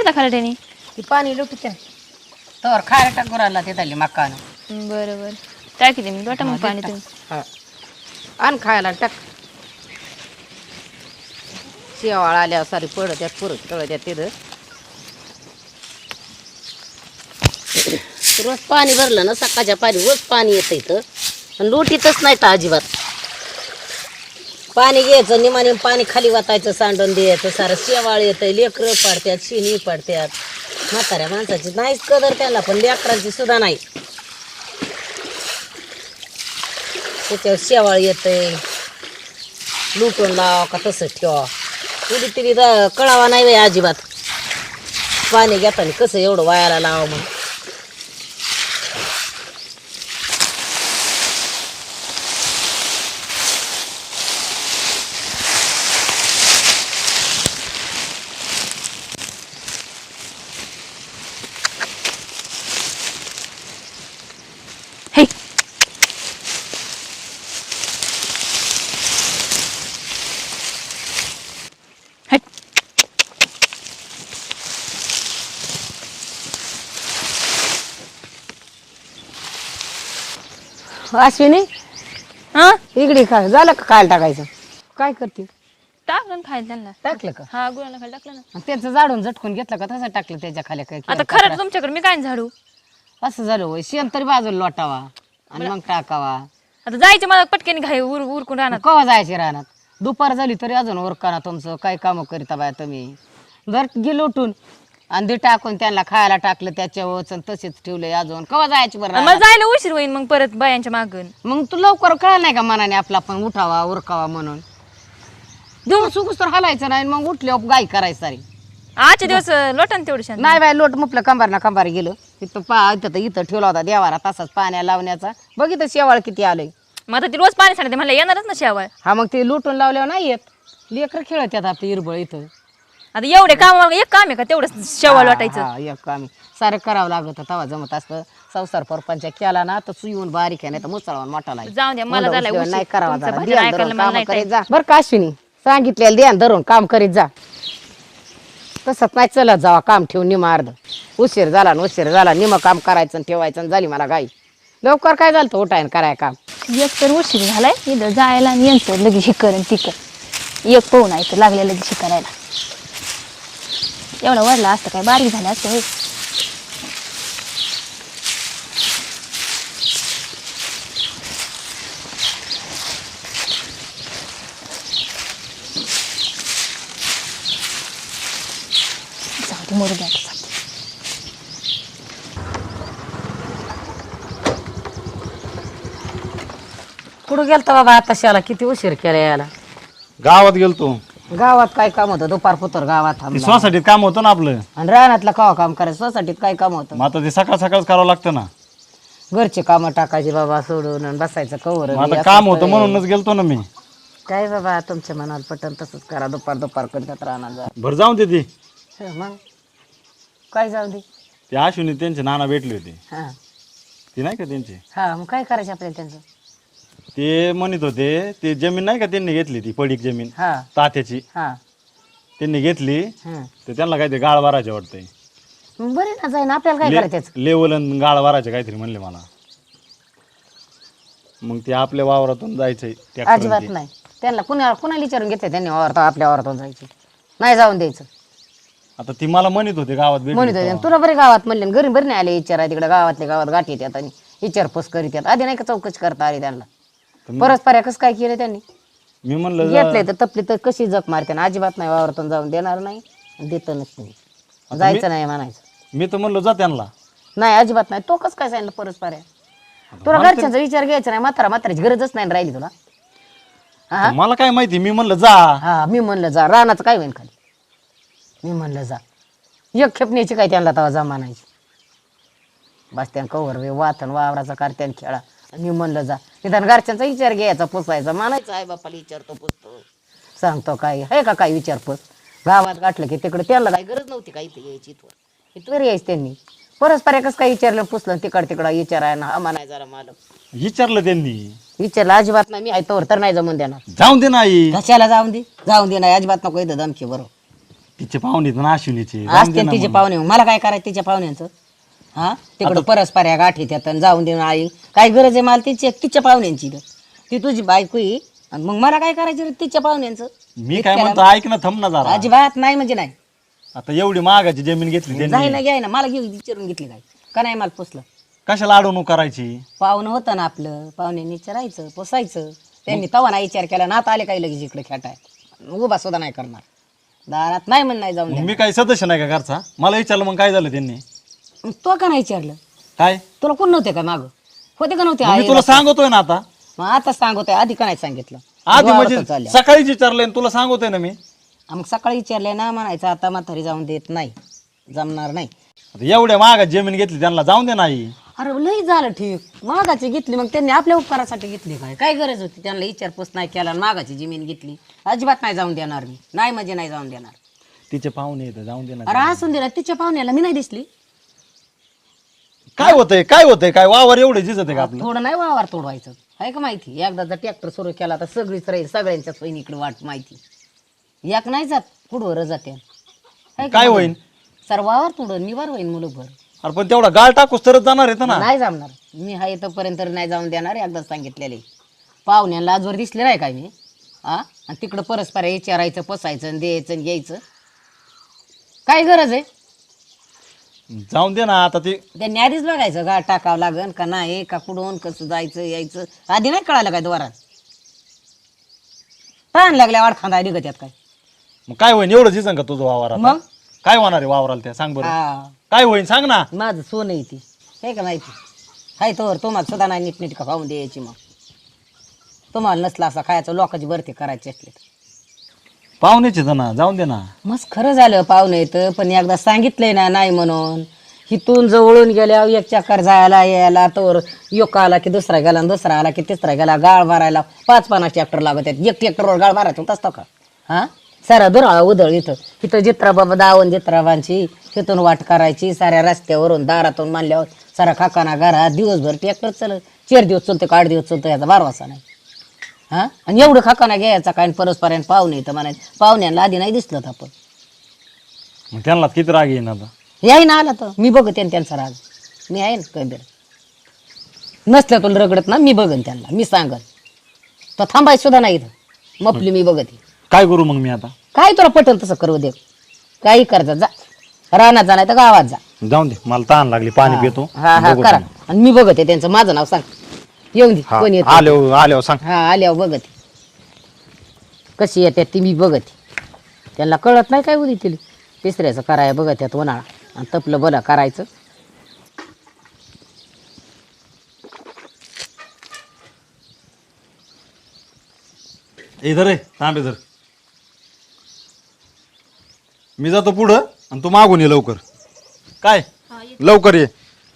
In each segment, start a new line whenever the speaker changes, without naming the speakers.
आणला खाला त्याने?
ती पाणी लुटत तर खायला टाकून आला ते झाली मकान.
बरं बरं टाकी दे मी वाटा मग पाणी तुम्ही.
हा आण खायला टाक. शेवाळ आल्यावर सारी पडत त्यात पुरत तळ त्यात तिथं रोज पाणी भरलं ना सकाळच्या पाणी रोज पाणी येतं इथं आणि लुटीतच नाही तर अजिबात. पाणी घ्यायचं निमाने पाणी खाली वाटायचं सांडून द्यायचं सारं शेवाळ येतं लेकरं पाडत्यात शिनी पाडत्यात. म्हाताऱ्या माणसाची नाहीच कदर त्याला पण लेकरांची सुद्धा नाही. त्याच्यावर शेवाळ येतंय लुटून लावा का तसंच ठेवा उडी तिरी कळावा नाही बाई अजिबात. पाणी घेताना कसं एवढं वायाला लावा म्हणून.
हे हट.
अश्विनी
हा
इकडे खा झालं का खायला टाकायचं काय करते
टाकलं ना खायला त्यांना.
टाकलं का
हा गुळाला खायला टाकलं ना.
आणि त्याचं जाडून झटकून घेतलं का तसं टाकलं त्याच्या खाली काय
आता खरं तुमच्याकडे मी काय झाडू.
असं झालं होय शेण तरी बाजूला लोटावा आणि मग टाकावा.
आता जायचं मला पटकन घाई उरकून राहणार.
कवा जायचे रानात दुपार झाली तरी अजून उरकाना तुमचं काय कामं करीता बाया तुम्ही. जर गेलो उठून आणि ते टाकून त्यांना खायला टाकलं त्याच्यावर तसेच ठेवलंय अजून कवा जायची बरं
मला
रानात?
जायला उशीर होईल मग परत बायांच्या मागून.
मग तू लवकर कळलं नाही का मनाने आपला पण उठावा उरकावा म्हणून. दिवस उगूस तर हलायचं नाही मग उठल्यावर गाय करायचं सारी.
आजचे दिवस लोटन तेवढे शांत.
नाही बाय लोट मुपलं कंबार ना कंबार गेलो तिथं इथं ठेवला होता देवारा तसाच पाण्या लावण्याचा बघितलं शेवाळ किती आलंय.
मग आता ती रोज पाणी सांगते मला येणारच ना शेवाळ.
हा मग ते लुटून लावल्यावर नाही येत लेकर खेळत येतात आपली इरबळ इथं.
आता एवढे काम एक काम आहे का तेवढं शेवाळ वाटायचं.
हा एक काम सारं करावं लागत तवा जमत असतं. संसार परपंच केला ना तर सुईहून बारीक आहे नाही तर मुसळावून मोठा लागेल.
जाऊ द्या मला झालाय उशीर.
नाही करावा
तुमचं
जरा.
भजन
ध्यान
ऐकायला
धरून
मला
कामं
नाही
करीत
time.
जा बरं का अश्विनी सांगितलेलं ध्यान धरून काम करीत जा. तसंच नाही चलत जावा काम ठेवून निमा अर्ध उशीर झाला निम काम करायचं आणि ठेवायचं आणि झाली मला गाई. लवकर काय झालं उठायन कराय काम.
एक तर उशीर झालाय इथं जायला आणि यांचं लगेच हे कर ती कर एक पाहून आहे तर लागले लगेच हे करायला. एवढा वाढला असतं काय बारीक झालं असतं होय. जाऊ दे मरू द्या आता.
कुठं गेलता बाबा आता शाला किती उशीर केला याला.
गावात गेलतो.
गावात काय काम होतं दुपार पुतर गावात
ते
थांबला.
सोसायटीत काम होतं ना आपलं.
आणि रानातलं कवा काम करायचं सोसायटीत काय काम होतं.
मग आता ते सकाळ सकाळच करावं लागतं ना.
घरचे कामं टाकायचे बाबा सोडून आणि बसायचं कवर.
मग आता काम होतं म्हणूनच गेलतो ना मी.
काय बाबा तुमच्या मनाला पटन तसंच करा दुपार करतात रानात जा.
भर जाऊन दे ती.
मग काय जाऊ दे.
ते अश्विनी त्यांचे नाना भेटले होते.
हा
ती नाही का त्यांचे.
हा मग काय करायचं आपल्याला त्यांचं.
ते म्हणत होते ते जमीन नाही का त्यांनी घेतली ती पडीक जमीन
हा
तात्याची
हा
त्यांनी घेतली
हा
तर त्यांना काहीतरी गाळ वारायचे वाटतंय.
मग बरे ना जाईन आपल्याला काय करायचं त्याचं?
लेवल आणि गाळ वारायचे काहीतरी म्हणले मला. मग ते आपल्या वावरातून जायचंय
अजिबात नाही त्यांना कुणाला विचारून घेतलं त्यांनी वावरत आपल्या वावरातून जायचं नाही जाऊन द्यायचं.
आता ती मला म्हणत होते गावात
म्हणत
भेटली
होते तुला बरे गावात म्हणले घरी बरे नाही आले विचार तिकडे गावातल्या गावात गाठी येतात आणि विचारपूस करीत येतात आधी नाही का चौकशी करता आली त्यांना. परस्पर कसं काय केलं त्यांनी
मी म्हणलं
घेतलंय तर तपली तर कशी जग मारते ना अजिबात नाही वावरातून जाऊन देणार नाही देत नसते जायचं नाही म्हणायचं.
मी तर म्हणलो जा त्यांना.
नाही अजिबात नाही तो कसं काय सांगितलं परस्पर तुला घरच्यांचा विचार घ्यायचा नाही म्हाताऱ्याची गरजच नाही राहिली तुला. हा
मला काय माहिती मी म्हणलं जा.
हा मी म्हणलं जा रानाचं काय होईल खाली. मी म्हणलं जा एक खेपण्याची काय त्यांना तवा जा म्हणायची. बस त्यान कवर वे वाथन वावराचा कारत्यान खेळा मी म्हणलं जा निदान घरच्यांचा विचार घ्यायचा पुसायचा मानायचा आहे बापाला विचारतो पुसतो सांगतो काय आहे का काय विचारपूस. गावात गाठलं की तिकडे त्यांना काही गरज नव्हती का इथे यायची इथवर यायची त्यांनी परस्पर एकच काय विचारलं पुसलं तिकडं विचाराय ना हा म्हणाय जरा मालक
विचारलं त्यांनी.
विचारलं अजिबात नाही मी आहे तोवर तर नाही जमून देणार.
जाऊन दे नाही.
कशाला जाऊन दे नाही अजिबात नको इथं धमकी बरोबर
तिचे पाहुणे ना अश्विनीचे जाऊन
असते
दे ना
तिचे
मग.
पाहुणे मला काय करायचं तिच्या पाहुण्यांचं हा तिकडं परस्पर गाठी त्यात आणि जाऊन देऊन आई काय गरज आहे मला तिच्या पाहुण्यांची ती तुझी बायको आहे आणि मग मला काय करायचं रे तिच्या पाहुण्यांचं
मी काय म्हणतो ऐक ना थांब ना जरा
अजिबात नाही म्हणजे नाही
आता एवढी महागाची जमीन घेतली
जाई
त्यांनी
ना घ्याय ना मला घेऊ विचारून घेतली काय का नाही मला पोचलं
कशाला अडवणूक करायची
पाहुणं होतं ना आपलं पाहुण्यांनी विचारायचं पोसायचं त्यांनी तवा नाही विचार केला ना आता आले काही लगेच इकडे खेटाय उभा सुद्धा नाही करणार दारात नाही म्हण नाही जाऊन
मग
द्या.
मी काही सदस्य नाही का घरचा मला विचारलं मग काय झालं त्यांनी
मग तो का नाही विचारलं
काय
तुला कोण नव्हते का माग होते का नव्हते
मग मी
आई
तुला सांगतोय ना आता
मग आता सांगतोय आधी का नाही सांगितलं
आधी
जोरातच
म्हणजे
चालल्या.
सकाळीच विचारलंय आणि तुला सांगतोय ना मी
मग सकाळी विचारलंय ना म्हणायचं आता म्हातारी जाऊन देत नाही जमणार नाही
आता एवढ्या महागात जमीन घेतली त्यांना जाऊन दे नाही
अरे लई झालं ठीक मागाची घेतली मग त्यांनी आपल्या उपकारासाठी घेतली काय गरज होती त्यांना विचारपूस नाही केला आणि मागाची जमीन घेतली अजिबात नाही जाऊन देणार मी नाही म्हणजे नाही जाऊन देणार
तिचे पाहुणे येतं जाऊन दे ना
अरे असून दिला तिच्या पाहुण्याला मी नाही दिसली
काय होतंय काय वावर एवढे झिजत आहे का आपलं
थोडं नाही वावर तोडवायचं आहे का माहिती एकदा जर ट्रॅक्टर सुरू केला तर सगळीच राहील सगळ्यांच्या सोयीकडे वाट माहिती एक नाही जात पुढवर जाते हाय का
काय
बघ?
होईन
सर वावर तोडून निवार होईन मुलंभर
अरे पण तेवढा गाळ टाकूस तरच जाणार आहेत ना
नाही जमणार मी हा येतोपर्यंत नाही जाऊन देणार एकदा सांगितलेले पाहुण्याला आजवर दिसले नाही काय मी हा आणि तिकडं परस्पर विचारायचं पसायचं आणि द्यायचं आणि घ्यायचं काय गरज आहे
जाऊन दे ना आता ते
त्यांनी आधीच बघायचं गाठ टाकावं लागन का नाही का कुठून कसं जायचं यायचं आधी नाही कळालं काय द्वारात ताण लागल्या वाडखांदा निघत यात काय
मग काय होईन एवढं झिजन का तुझं वावर आता?
मग
काय होणार आहे वावराला त्या सांग बरं
हा
काय होईन सांग ना
माझं सोनं आहे ती हे का माहिती हाय तोवर तुम्हाला सुद्धा नाही नीटनीट खाऊन द्यायची मग तुम्हाला नसला असा खायचं लोकांची भरती करायची असली तर.
पाहुण्याचे ना जाऊन दे ना
मस्त खरं झालं पाहुणं येतं पण एकदा सांगितलंय ना नाही म्हणून हिथून जवळून गेल्यावर एक चक्कर जायला यायला तर एक आला की दुसरा गेला आणि दुसरा आला की तिसरा गेला गाळ मारायला 5-50 ट्रॅक्टर लागत आहेत एक ट्रॅक्टरवर गाळ मारायचं होत असतं का हा सारा दुराळा उधळ इथं जित्राबाबा दावण जित्राबांची तिथून वाट करायची साऱ्या रस्त्यावरून दारातून मानल्यावर सारा खाकाना घरात दिवसभर ट्रॅक्टर चालत 4 दिवस चालतो का 8 दिवस चालतो याचा बारवासा नाही हा आणि एवढं खाकाना घ्यायचा काय परस्परांत पाहुणे येतं म्हणायचं पाहुण्यांना आधी नाही दिसलं आपण
मग त्यांना किती राग येईन आता
याही ना आला तर मी बघते त्यांचा राग मी आहे ना कबीर नसल्या तुला रगडत ना मी बघन त्यांना मी सांगन तर थांबाय सुद्धा नाही इथं मपली मी बघते
काय करू मग मी आता
काय तुला पटल तसं करू दे काही करता जा रानात जा नाही तर गावात जा
जाऊन दे मला तहान लागली पाणी पितो
हा हा
बघू
करा
त्यांना.
आणि मी बघते त्यांचं माझं नाव सांग येऊन दे
हा,
कोण येत
आल्यावर सांग
हा आल्यावर बघते कशी येतात ती मी बघते त्यांना कळत नाही काय उदी तिला तिसऱ्याचं कराय बघत यात उन्हाळा आणि तपलं बरं करायचं
इधर रे थांब इधर मी जातो पुढं आणि तू मागून ये लवकर काय लवकर ये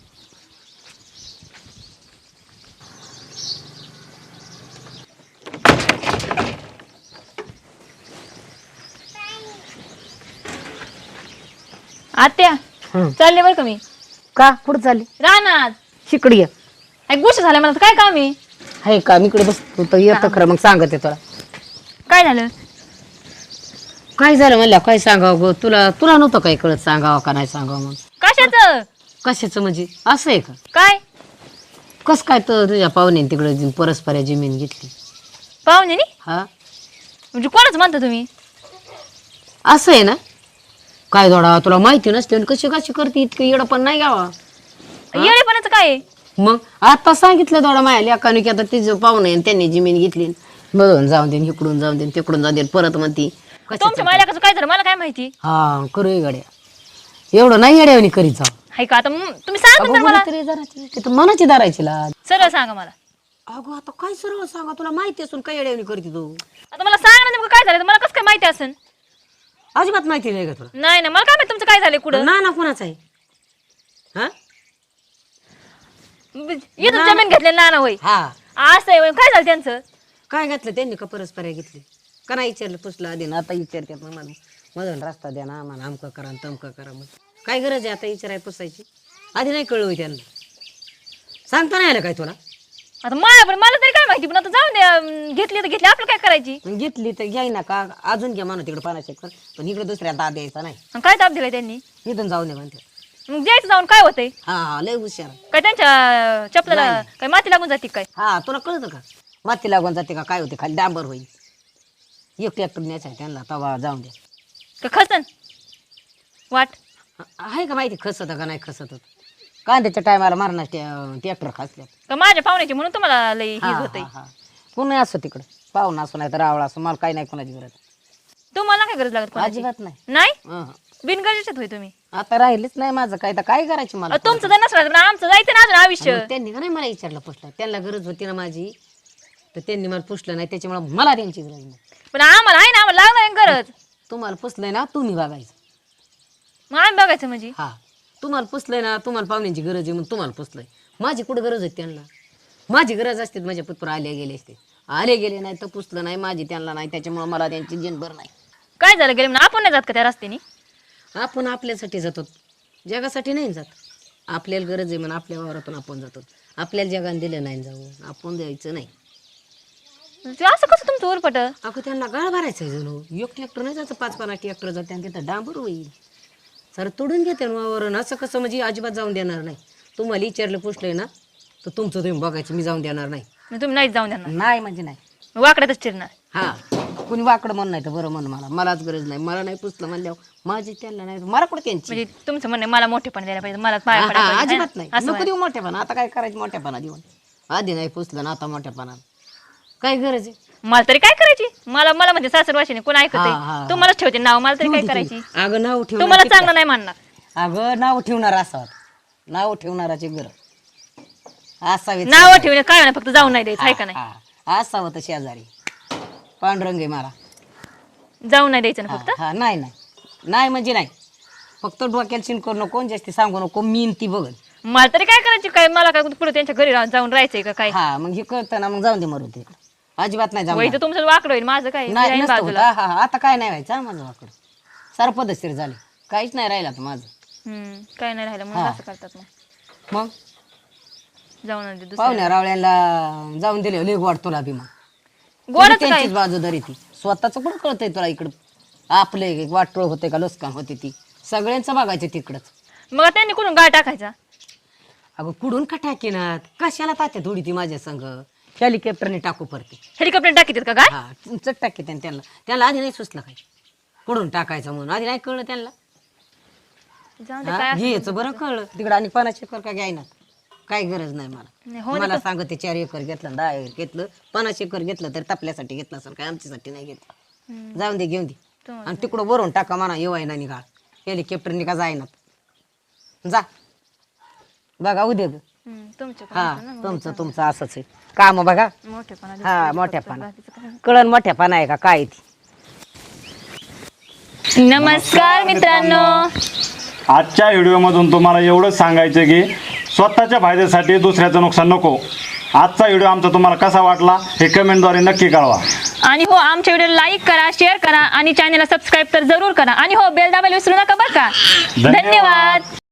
आत्या चालले बरं का मी
का कुठं चालली
रानात
शिकडी ये
एक गोष्ट झाल्या मला काय काम आहे
आहे का मी इकडे बस तू तर येतं खरं मग सांगते तुला
काय झालं
काय झालं म्हणल्या काय सांगावं गं तुला तुला नव्हतं काय कळत सांगावं का नाही सांगावं म्हणून
कशाचं
कशाचं म्हणजे असं आहे का
काय
कस काय तर तुझ्या पाहुण्याने तिकडे परस्पर जमीन घेतली
पाहुण्यानी
हा
म्हणजे कोणाच म्हणता तुम्ही
असं आहे ना काय दोडा तुला माहिती नसते आणि कशी कशी करते इतकं येडं पण नाही गावा
येडेपणाचं काय आहे?
मग आता सांगितलं दोडा माया लेकाने की आता तिचं पाहुणं आहे आणि त्यांनी जमीन घेतली मधून जाऊन देईन इकडून जाऊन देईन तिकडून जाऊन देईन परत म्हणती
तुमच्या मालकाचं काय झालं मला काय माहिती
हा करू गड्या एवढं नाही येड्यावानी करीत जाऊ
हाय का आता तुम्ही सांगा तर मला
तिथं मनाची दारायची लाज
सरळ सांगा मला
अगो आता काय सरळ सांगा तुला माहिती असून काय येड्यावानी करते तू
आता मला सांगा ना नेमकं काय झालं मला कसं काय माहिती असेल
अजिबात माहिती नाही का तुला
नाही ना मला काय माहिती तुमचं काय झालं कुठं
ना कोणाचं आहे हा
इथं जमीन घेतले ना होय
हा
असं आहे होय. काय झालं त्यांचं
काय घातलं त्यांनी का परस्पर घेतली का नाही विचारलं पुसलं आधी ना आता विचारतात मग मधून रस्ता द्या ना आम्हाला आमकं करा आणि तमकं करा मग काय गरज आहे आता विचाराय पुसायची आधी नाही कळवू त्यांना सांगता नाही आलं काय तुला
आता मला तरी काय माहिती, पण आता जाऊन द्या, घेतली तर घेतली, आपलं काय करायची.
मग घेतली तर घ्याय ना का, अजून घ्या म्हणा तिकडे 50 एकर, पण इकडे दुसऱ्या दाब द्यायचा नाही.
आणि काय ताप दिलाय त्यांनी,
इथून जाऊ नये म्हणते.
मग द्यायचं जाऊन काय होतंय.
हा लय हुशार.
काय त्यांच्या चपलाला काय माती लागून जाते काय.
हा तुला कळतं का, माती लागून जाते का काय होते, खाली डांबर होईल. एक ट्रॅक्टर न्यायचा आहे त्यांना, तवा जाऊन द्या.
का खसन वाट
आहे का माहिती खसत का नाही खसत. कांद्याच्या टायमाला मारणार ट्रॅक्टर खासल्यात.
का माझ्या पाहुण्याची म्हणून तुम्हाला लई हे होतंय.
कोणी असो तिकडं, पाहुणा असो नाही तर रावळा असो, मला काही नाही कोणाची गरज.
तुम्हाला काय गरज लागत कोणाची?
अजिबात नाही.
नाही
हं.
बिनगरजेच्यात होय तुम्ही.
आता राहिलेच नाही माझं काय, तर काय करायचं मला.
तुमचं जर नसलं तर आमचं जायचं ना अजून आयुष्य.
मग त्यांनी का नाही मला विचारलं पुसलं, त्यांना गरज होती ना माझी, तर त्यांनी मला पुसलं नाही, त्याच्यामुळे मला त्यांची गरज नाही.
पण आम्हाला आहे ना, आम्हाला लागणार गरज.
तुम्हाला पुसलंय ना तुम्ही बघायचं.
मग आम्ही बघायचं म्हणजे.
हा तुम्हाला पुसलंय ना, तुम्हाला पाहुण्यांची गरज आहे म्हणून तुम्हाला पुसलंय. माझी कुठं गरज होती त्यांना, माझी गरज असते माझ्या पुत्र आले गेले असते, आले गेले नाही तर पुसलं नाही माझी त्यांना नाही, त्याच्यामुळे मला त्यांची जनभर नाही.
काय झालं गेले म्हणून आपण नाही जात का त्या रस्त्याने.
आपण आपल्यासाठी जातो, जगासाठी नाही जात. आपल्याला गरज आहे म्हणून आपल्या वावरातून आपण जातो. आपल्याला जगाने दिलं नाही जाऊ, आपण द्यायचं नाही.
ते असं कसं तुमचं उरपट.
अगं त्यांना गाळ भरायचं आहे जणू. एक ट्रॅक्टर नाही जायचं, 5-5 ट्रॅक्टर जाते आणि तिथं डांबर होईल. सर तोडून घेते वावरून, असं कसं म्हणजे अजिबात जाऊन देणार नाही. तुम्हाला विचारलं पुसलंय ना तर तुमचं तुम्ही बघायचं, मी जाऊन देणार नाही.
तुम्ही नाहीच जाऊन देणार,
नाही म्हणजे नाही.
वाकड्यातच चिरणार.
हा कुणी वाकडं म्हण नाही तर बरं म्हण, मलाच गरज नाही. मला नाही पुसलं म्हणल्यावर माझी त्यांना नाही, मला कुठं त्यांची.
म्हणजे तुमचं म्हणणं मला मोठेपण द्यायला पाहिजे, मला पाया
हा,
पडायला
हा,
पाहिजे,
अजिबात नाही.
असं
नको देऊ मोठेपणा. आता काय करायचं मोठेपणा देऊन, आधी नाही पुसलं ना आता मोठेपणा काय गरज आहे.
मला तरी काय करायची. मला म्हणजे सासर वाशिने कोण ऐकत
हा, हा, हा.
तुम्हालाच ठेवते नाव, मला तरी काय करायची.
अगं नाव ठेवणार
तुम्हाला चांगलं नाही मानणार.
अगं नाव ठेवणार असावं, नाव ठेवणाराची गरज असावी.
नाव ठेवणे काय नाही, फक्त जाऊन नाही द्यायचं आहे का नाही.
हा, असावं तर शेजारी पांडुरंग आहे मला.
जाऊन नाही द्यायचं ना फक्त.
हा नाही नाही नाही म्हणजे नाही, फक्त डोक्याला शिन करू नको, जास्ती सांगू नको, मी ती बघ.
मला तरी काय करायची, काय मला काय पुढे त्यांच्या घरी जाऊन राहायचंय का काय.
हा मग हे कळतं ना, मग जाऊन दे मरू ते, अजिबात नाही
वय
जाऊ.
तर तुमचं वाकडं होईल, माझं काय
नाही
राहीन
नसतं होत.
बाजूला.
हा हा आता काय नाही व्हायचं, माझं वाकड सारं पद्धतशीर झाले, काहीच नाही राहिलं आता माझं.
काय नाही राहिलं म्हणून असं करतात.
मग
जाऊन दे दुसऱ्या.
पाहुण्या रावळ्यांना जाऊन दिले लय गोड तुला बी. मग
गोडच काय.
त्यांचीच बाजूदारी ती, स्वतःच कुठं कळतंय तुला इकडं आपले वाटोळ होते का लुस्कान होते ती, सगळ्यांचं बघायचं तिकडंच.
मग त्यांनी कुठून गाळ टाकायचा.
अगं कुडून का टाकेनात, कशाला तात्या थोडी ती माझ्या संग, हेलिकॉप्टरने टाकू पडते.
हेलिकॉप्टर टाकीतात का काय.
हा तुमचं टाके त्यांना आधी नाही सुचलं काय कुडून टाकायचं म्हणून, आधी नाही कळलं त्यांना.
जाऊन दे काय असं.
घ्यायचं बरं कळलं तिकडं, आणि 50 एकर का घ्यायना, काही गरज नाही मला.
नाही, हो
मला सांगते 4 एकर घेतलं 10 एकर घेतलं 50 एकर घेतलं तर आपल्यासाठी घेतलं असेल, काय आमच्यासाठी नाही घेतलं. जाऊन दे घेऊन दे,
तुम्हाला
आणि तिकडं वरून टाका म्हणा, येवाय ना निघाळ हेलिकॉप्टरने का जायना. जा बघा उद्या ग.
तुमच्या
हा तुमचं असंच आहे काम बघा.
मोठेपणा
हा मोठ्यापणा कळण मोठ्यापणा आहे का काय ती.
नमस्कार मित्रांनो.
आजच्या व्हिडिओमधून तुम्हाला एवढंच सांगायचं की स्वतःच्या फायद्यासाठी दुसऱ्याचं नुकसान नको. आजचा व्हिडिओ आमचा तुम्हाला कसा वाटला हे कमेंटद्वारे नक्की कळवा.
आणि हो आमच्या व्हिडिओ लाईक करा, शेअर करा आणि चॅनलला सबस्क्राईब तर जरूर करा. आणि हो बेल दाबायला विसरू नका बरं का. धन्यवाद.